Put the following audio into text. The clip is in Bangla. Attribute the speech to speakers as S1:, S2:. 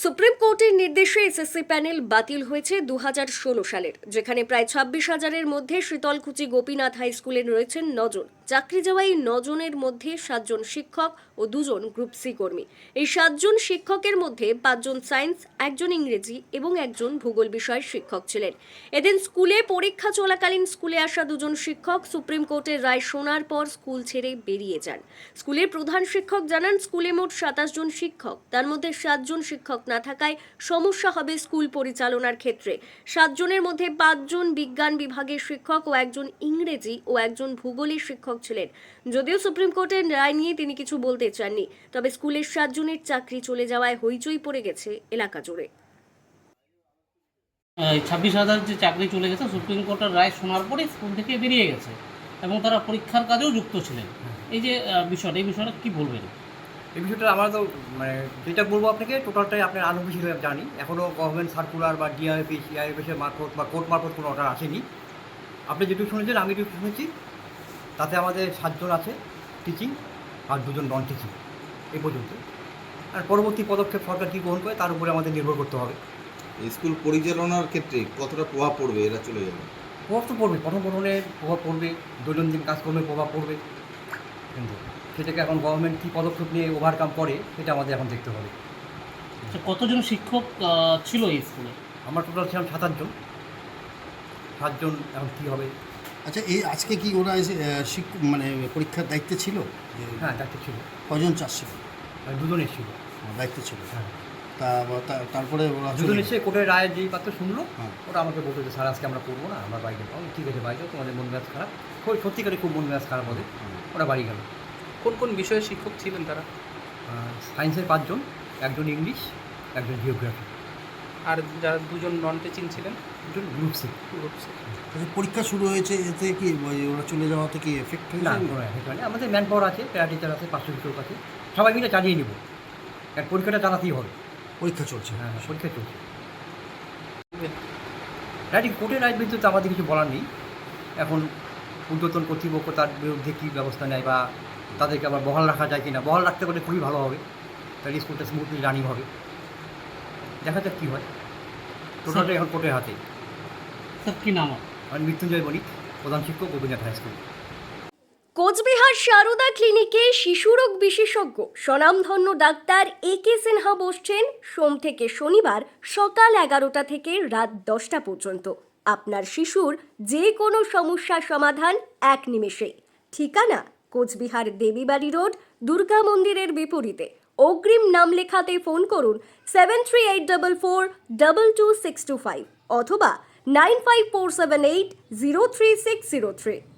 S1: সুপ্রিম কোর্টের নির্দেশে এসএসসি প্যানেল বাতিল হয়েছে 2016 সালের, যেখানে প্রায় 26,000-এর মধ্যে শীতলকুচি গোপীনাথ হাই স্কুলে রয়েছেন 9 জন। চাকরি যাওয়া এই 9 জনের মধ্যে 7 জন শিক্ষক ও 2 জন গ্রুপ সি কর্মী। এই 7 জন শিক্ষকের মধ্যে 5 জন সায়েন্স, 1 জন ইংরেজি এবং 1 জন ভূগোল বিষয়ের শিক্ষক ছিলেন। এদিন স্কুলে পরীক্ষা চলাকালীন স্কুলে আসা 2 জন শিক্ষক সুপ্রিম কোর্টের রায় শোনার পর স্কুল ছেড়ে বেরিয়ে যান। স্কুলের প্রধান শিক্ষক জানান, স্কুলে মোট 27 জন শিক্ষক, তার মধ্যে 7 জন শিক্ষক না থাকায় সমস্যা হবে স্কুল পরিচালনার ক্ষেত্রে। 7 জনের মধ্যে 5 জন বিজ্ঞান বিভাগের শিক্ষক ও 1 জন ইংরেজি ও 1 জন ভূগোলের শিক্ষক ছিলেন। যদিও সুপ্রিম কোর্টের রায় নিয়ে তিনি কিছু বলতে চাননি, তবে স্কুলের 7 জনের চাকরি চলে যাওয়ায় হইচই পড়ে গেছে এলাকা জুড়ে।
S2: 26,000 যে চাকরি চলে গেছে, সুপ্রিম কোর্টের রায় শোনার পরে স্কুল থেকে বেরিয়ে গেছে এবং তারা পরীক্ষার কাজেও যুক্ত ছিলেন। এই যে এই বিষয়টা কি বলবেন?
S3: এই বিষয়টা আমরা তো যেটা বলবো আপনাকে, টোটালটাই আপনার আনুষ্ঠানিক হিসেবে জানি। এখনও গভর্নমেন্ট সার্কুলার বা ডিআইএফ সিআইএফের মারফত বা কোর্ট মারফত কোনো অর্ডার আসেনি। আপনি যেটুকু শুনেছেন, আমি যেটুকু শুনেছি, তাতে আমাদের 7 জন আছে টিচিং আর 2 জন নন টিচিং এই পর্যন্ত। আর পরবর্তী পদক্ষেপ সরকার কী গ্রহণ করে তার উপরে আমাদের নির্ভর করতে হবে।
S4: স্কুল পরিচালনার ক্ষেত্রে কতটা প্রভাব পড়বে এরা চলে গেলে?
S3: প্রভাব তো পড়বে, পঠন পাঠনের প্রভাব পড়বে, দৈনন্দিন কাজকর্মে প্রভাব পড়বে, কিন্তু সেটাকে এখন গভর্নমেন্ট কী পদক্ষেপ নিয়ে ওভারকাম করে সেটা আমাদের এখন দেখতে হবে।
S2: কতজন শিক্ষক ছিল এই স্কুলে?
S3: আমরা টোটাল ছিলাম 27 জন। 7 জন এখন কী হবে।
S5: আচ্ছা, এই আজকে কি ওরা এসে মানে পরীক্ষার দায়িত্বে ছিল?
S3: হ্যাঁ, দায়িত্ব ছিল।
S5: কজন চাষ ছিল?
S3: 2 জন এসেছিল।
S5: দায়িত্ব ছিল।
S3: হ্যাঁ,
S5: তারপরে ওরা
S3: দুজন এসে কোর্টের রায়ের যেই পাত্র শুনলো,
S5: হ্যাঁ।
S3: ওরা আমাকে বলতো যে স্যার আজকে আমরা করবো না, আমরা বাড়ি যাবো। ঠিক আছে, বাড়ি যাও, তোমাদের মন মেজাজ খারাপ। সত্যিকারে খুব মন মেজাজ খারাপ ওদের। ওরা বাড়ি গেল।
S6: কোন কোন বিষয়ের শিক্ষক ছিলেন তারা?
S3: সায়েন্সের 5 জন, 1 জন ইংলিশ, 1 জন জিওগ্রাফি,
S6: আর যারা 2 জন নন টিচিং ছিলেন?
S3: 2 জন গ্রুপ সি।
S5: পরীক্ষা শুরু হয়েছে, এতে কি ওরা চলে যাওয়াতে কি এফেক্ট
S3: না,
S5: হয়েছে?
S3: কোনো effect হয়নি। আমাদের ম্যান পাওয়ার আছে, প্যারা টিচার আছে, 500 শিক্ষক আছে, সবাই মিলে চালিয়ে নেব। কারণ পরীক্ষাটা চালাতেই হবে।
S5: পরীক্ষা চলছে।
S3: হ্যাঁ, পরীক্ষা চলছে। কোর্টের রায়ের বিরুদ্ধে আমাদের কিছু বলার নেই। এখন ঊর্ধ্বতন কর্তৃপক্ষ তার বিরুদ্ধে কী ব্যবস্থা নেয় বা তাদেরকে আবার বহাল রাখা যায় কি না, বহাল রাখতে পারলে খুবই ভালো হবে, তাহলে স্কুলটা স্মুথলি রানিং হবে। দেখা যাক কী হয়। টোটালটা এখন কোর্টের হাতে।
S2: স্যার, কি নাম?
S3: আমি মৃত্যুঞ্জয় বণিক, প্রধান শিক্ষক, গোপীনাথ হাই স্কুল।
S1: কোচবিহার সারদা ক্লিনিকে শিশুরোগ বিশেষজ্ঞ স্বনামধন্য ডাক্তার একে সিনহা বসছেন সোম থেকে শনিবার সকাল 11টা থেকে রাত 10টা পর্যন্ত। আপনার শিশুর যে কোনো সমস্যার সমাধান এক নিমেষেই। ঠিকানা কোচবিহার দেবীবাড়ি রোড, দুর্গা মন্দিরের বিপরীতে। অগ্রিম নাম লেখাতে ফোন করুন 7384422625 অথবা 9547803603।